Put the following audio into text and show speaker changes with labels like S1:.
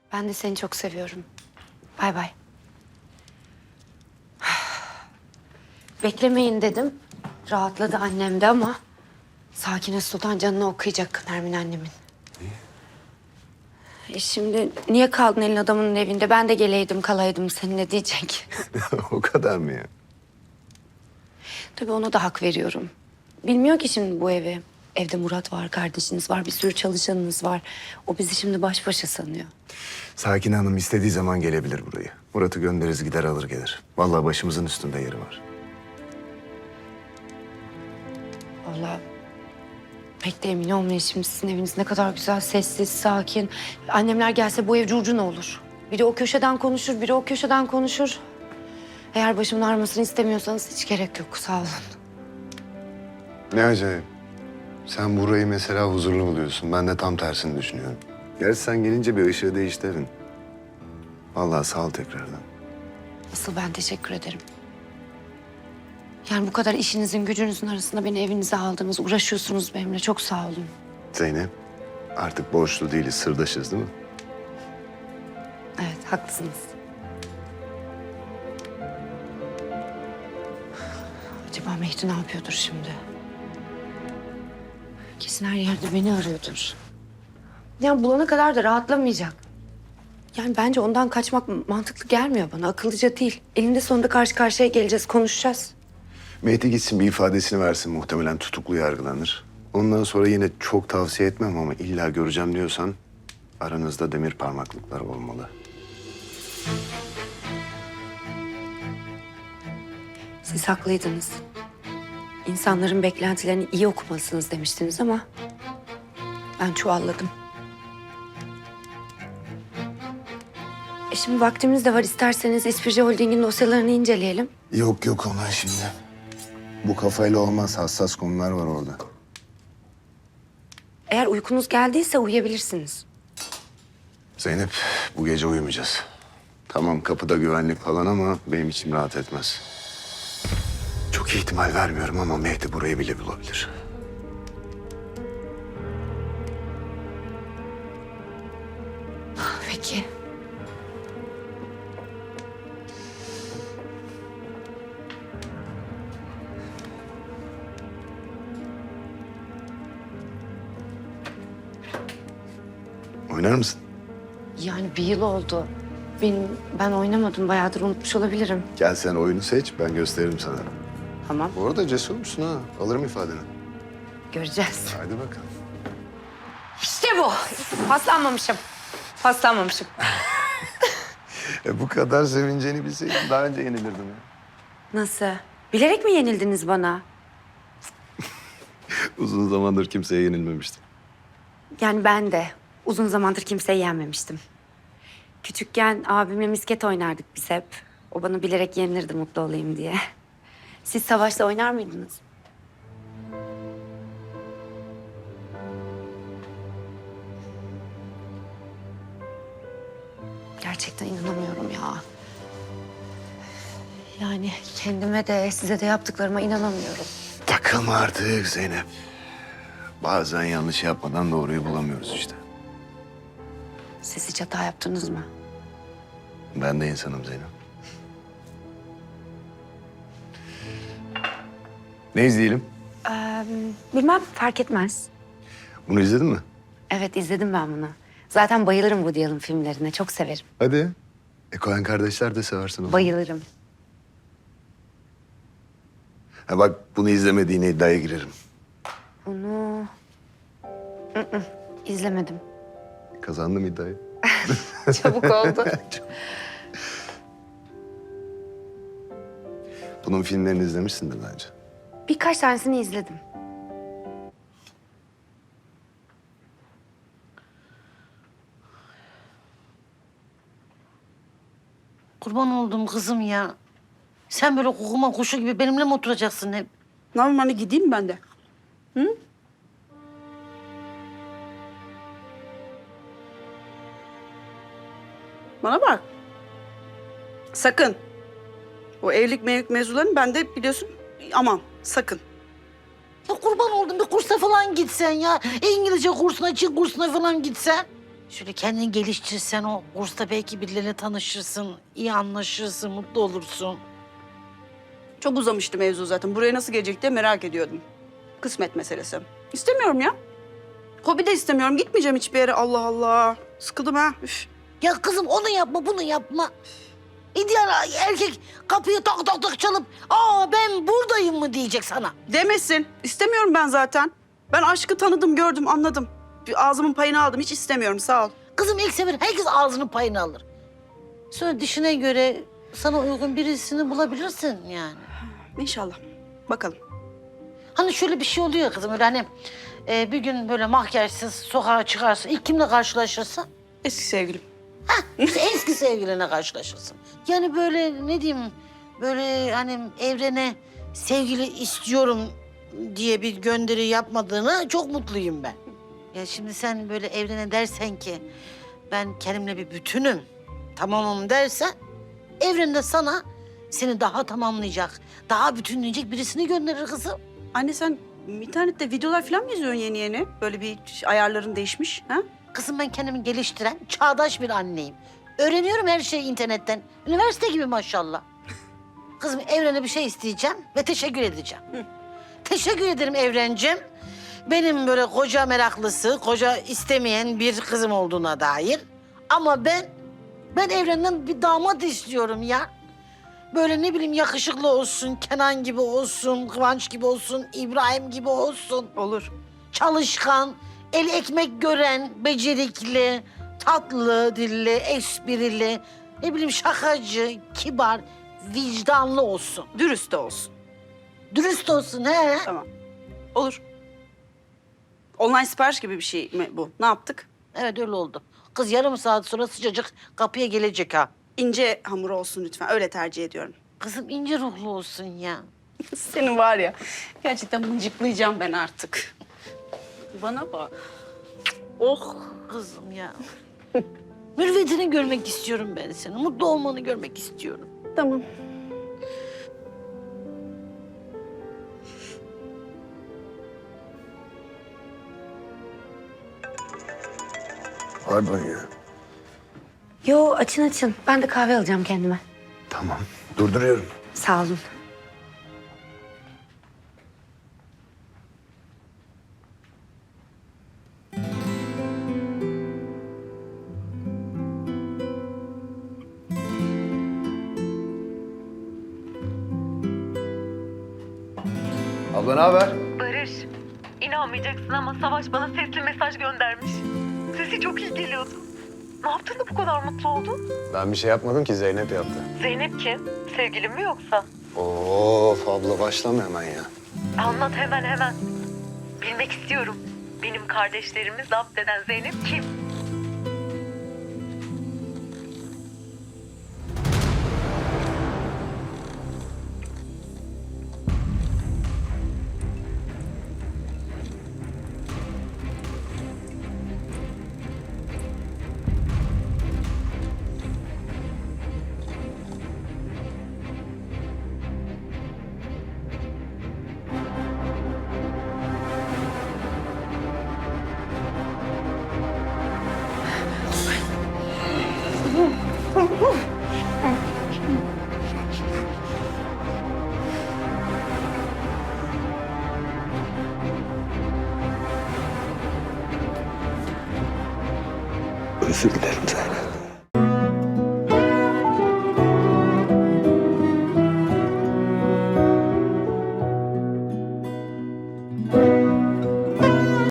S1: Ben de seni çok seviyorum. Bay bay. Beklemeyin dedim. Rahatladı annem de ama... Sakine Sultan canını okuyacak Nermin annemin. Şimdi niye kaldın elin adamının evinde? Ben de geleydim kalaydım seninle diyecek.
S2: O kadar mı ya?
S1: Tabii ona da hak veriyorum. Bilmiyor ki şimdi bu evi. Evde Murat var, kardeşiniz var, bir sürü çalışanınız var. O bizi şimdi baş başa sanıyor.
S2: Sakin Hanım istediği zaman gelebilir burayı. Murat'ı göndeririz gider alır gelir. Vallahi başımızın üstünde yeri var.
S1: Vallahi pek de emin olmayın şimdi sizin eviniz ne kadar güzel, sessiz, sakin. Annemler gelse bu ev curcuna olur. Biri o köşeden konuşur, biri o köşeden konuşur. Eğer başımın ağrımasını istemiyorsanız hiç gerek yok, sağ olun.
S2: Ne acayip. Sen burayı mesela huzurlu buluyorsun. Ben de tam tersini düşünüyorum. Gerçi sen gelince bir ışığı değişti evin. Vallahi sağ ol tekrardan.
S1: Asıl ben teşekkür ederim. Yani bu kadar işinizin gücünüzün arasında beni evinize aldınız, uğraşıyorsunuz benimle. Çok sağ olun.
S2: Zeynep, artık borçlu değiliz, sırdaşız değil mi?
S1: Evet, haklısınız. Acaba Mehdi ne yapıyordur şimdi? Kesin her yerde beni arıyordur. Yani bulana kadar da rahatlamayacak. Yani bence ondan kaçmak mantıklı gelmiyor bana. Akıllıca değil. Elinde sonunda karşı karşıya geleceğiz, konuşacağız.
S2: Mehdi gitsin bir ifadesini versin. Muhtemelen tutuklu yargılanır. Ondan sonra yine çok tavsiye etmem ama illa göreceğim diyorsan... aranızda demir parmaklıklar olmalı.
S1: Siz haklıydınız. İnsanların beklentilerini iyi okumalısınız demiştiniz ama... ben çuvalladım. Şimdi vaktimiz de var. İsterseniz İspirci Holding'in dosyalarını inceleyelim.
S2: Yok yok ona şimdi. Bu kafayla olmaz. Hassas konular var orada.
S1: Eğer uykunuz geldiyse uyuyabilirsiniz.
S2: Zeynep, bu gece uyumayacağız. Tamam kapıda güvenlik falan ama benim içim rahat etmez. Çok ihtimal vermiyorum ama Mehdi burayı bile bulabilir.
S1: Peki.
S2: Oynar mısın?
S1: Yani bir yıl oldu. Ben oynamadım. Bayağıdır unutmuş olabilirim.
S2: Gel sen oyunu seç, ben gösteririm sana.
S1: Tamam.
S2: Bu arada cesurmuşsun ha. Alırım ifadeni.
S1: Göreceğiz.
S2: Hadi bakalım.
S1: İşte bu. Paslanmamışım. Paslanmamışım.
S2: Bu kadar sevineceğini bilseydim daha önce yenilirdim ya.
S1: Nasıl? Bilerek mi yenildiniz bana?
S2: Uzun zamandır kimseye yenilmemiştim.
S1: Yani ben de uzun zamandır kimseyi yenmemiştim. Küçükken abimle misket oynardık biz hep. O bana bilerek yenilirdi mutlu olayım diye. Siz savaşta oynar mıydınız? Gerçekten inanamıyorum ya. Yani kendime de size de yaptıklarıma inanamıyorum.
S2: Takılma artık Zeynep. Bazen yanlış yapmadan doğruyu bulamıyoruz işte.
S1: Siz hiç hata yaptınız mı?
S2: Ben de insanım Zeynep. Ne izleyelim?
S1: Bilmem, fark etmez.
S2: Bunu izledin mi?
S1: Evet, izledim ben bunu. Zaten bayılırım Woody Allen filmlerine, çok severim.
S2: Hadi. Coen kardeşler de seversin onu.
S1: Bayılırım.
S2: Ha bak bunu izlemediğine iddiaya girerim.
S1: Bunu... izlemedim.
S2: Kazandım iddiayı.
S1: Çabuk oldu.
S2: Bunun filmlerini izlemişsindir bence.
S1: Birkaç tanesini izledim.
S3: Kurban oldum kızım ya. Sen böyle kukuma kuşu gibi benimle mi oturacaksın hep?
S4: Ne yapayım hani gideyim ben de. Hı? Bana bak. Sakın. O evlilik mevzularını ben de biliyorsun. Aman sakın.
S3: Ya kurban oldum bir kursa falan gitsen ya. İngilizce kursuna, Çin kursuna falan gitsen. Şöyle kendini geliştirsen o kursta belki birileriyle tanışırsın, iyi anlaşırsın, mutlu olursun.
S4: Çok uzamıştı mevzu zaten. Buraya nasıl gelecek diye merak ediyordum. Kısmet meselesi. İstemiyorum ya. Hobi de istemiyorum. Gitmeyeceğim hiçbir yere. Allah Allah. Sıkıldım ha. Üf.
S3: Ya kızım onu yapma, bunu yapma. İdeal erkek kapıyı tak tak tak çalıp ben buradayım mı diyecek sana.
S4: Demesin. İstemiyorum ben zaten. Ben aşkı tanıdım, gördüm, anladım. Bir ağzımın payını aldım. Hiç istemiyorum. Sağ ol.
S3: Kızım ilk sefer herkes ağzının payını alır. Sonra dişine göre sana uygun birisini bulabilirsin yani.
S4: İnşallah. Bakalım.
S3: Hani şöyle bir şey oluyor ya kızım öyle hani bir gün böyle makyajsız sokağa çıkarsın. İlk kimle karşılaşırsın?
S4: Eski sevgilim.
S3: Eski sevgiline karşılaşırsın. Yani böyle ne diyeyim böyle hani evrene sevgili istiyorum diye bir gönderi yapmadığına çok mutluyum ben. Ya şimdi sen böyle evrene dersen ki ben kendimle bir bütünüm, tamamım dersen evren de sana seni daha tamamlayacak, daha bütünleyecek birisini gönderir kızım.
S4: Anne sen internette videolar falan mı izliyorsun yeni yeni? Böyle bir ayarların değişmiş. Ha?
S3: Kızım ben kendimi geliştiren çağdaş bir anneyim. Öğreniyorum her şeyi internetten. Üniversite gibi maşallah. Kızım evrene bir şey isteyeceğim ve teşekkür edeceğim. Teşekkür ederim evrencim. Benim böyle koca meraklısı, koca istemeyen bir kızım olduğuna dair. Ama ben evrenden bir damat istiyorum ya. Böyle ne bileyim yakışıklı olsun, Kenan gibi olsun, Kıvanç gibi olsun, İbrahim gibi olsun.
S4: Olur.
S3: Çalışkan, el ekmek gören, becerikli, tatlı dilli, esprili, ne bileyim şakacı, kibar, vicdanlı olsun.
S4: Dürüst de olsun.
S3: Dürüst olsun he.
S4: Tamam. Olur. Online sipariş gibi bir şey mi bu? Ne yaptık?
S3: Evet öyle oldu. Kız yarım saat sonra sıcacık kapıya gelecek ha.
S4: İnce hamur olsun lütfen. Öyle tercih ediyorum.
S3: Kızım ince ruhlu olsun ya.
S4: Senin var ya. Gerçekten mıncıklayacağım ben artık. Bana bak.
S3: Oh kızım ya. Mürvetini görmek istiyorum ben seni. Mutlu olmanı görmek istiyorum.
S4: Tamam.
S2: Pardon ya.
S1: Yo açın açın. Ben de kahve alacağım kendime.
S2: Tamam. Durduruyorum.
S1: Sağ olun.
S2: Abla ne haber?
S5: Barış, inanmayacaksın ama Savaş bana sesli mesaj göndermiş. Sesi çok iyi geliyordu. Ne yaptın da bu kadar mutlu oldun?
S2: Ben bir şey yapmadım ki, Zeynep yaptı.
S5: Zeynep kim? Sevgilin mi yoksa?
S2: Of abla başlama hemen ya.
S5: Anlat hemen hemen. Bilmek istiyorum. Benim kardeşlerimi zapt eden Zeynep kim?
S2: Özür dilerim.